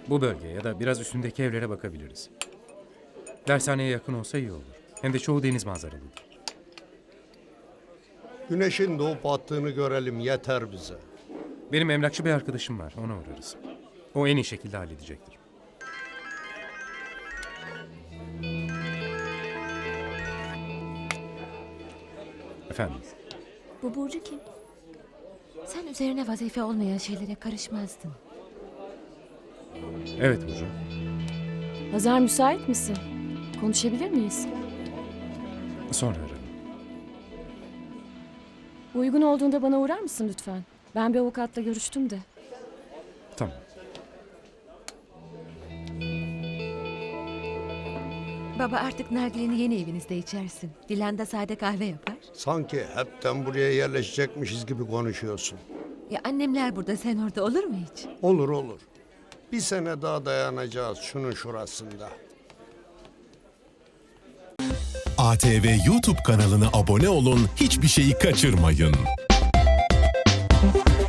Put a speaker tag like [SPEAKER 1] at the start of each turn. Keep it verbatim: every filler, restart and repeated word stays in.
[SPEAKER 1] Bu bölge ya da biraz üstündeki evlere bakabiliriz. Dershaneye yakın olsa iyi olur. Hem de çoğu deniz manzaralıdır.
[SPEAKER 2] Güneşin doğup battığını görelim yeter bize.
[SPEAKER 1] Benim emlakçı bir arkadaşım var. Ona uğrarız. O en iyi şekilde halledecektir. Efendim?
[SPEAKER 3] Bu Burcu kim? Sen üzerine vazife olmayan şeylere karışmazdın.
[SPEAKER 1] Evet Burcu.
[SPEAKER 4] Hazar, müsait misin? Konuşabilir miyiz?
[SPEAKER 1] Sonra ararım.
[SPEAKER 4] Uygun olduğunda bana uğrar mısın lütfen? Ben bir avukatla görüştüm de.
[SPEAKER 1] Tamam.
[SPEAKER 3] Baba artık nargileni yeni evinizde içersin. Dilan da sade kahve yapar.
[SPEAKER 2] Sanki hepten buraya yerleşecekmişiz gibi konuşuyorsun.
[SPEAKER 3] Ya annemler burada sen orada olur mu hiç?
[SPEAKER 2] Olur olur. Bir sene daha dayanacağız şunun şurasında.
[SPEAKER 5] A T V YouTube kanalına abone olun, hiçbir şeyi kaçırmayın.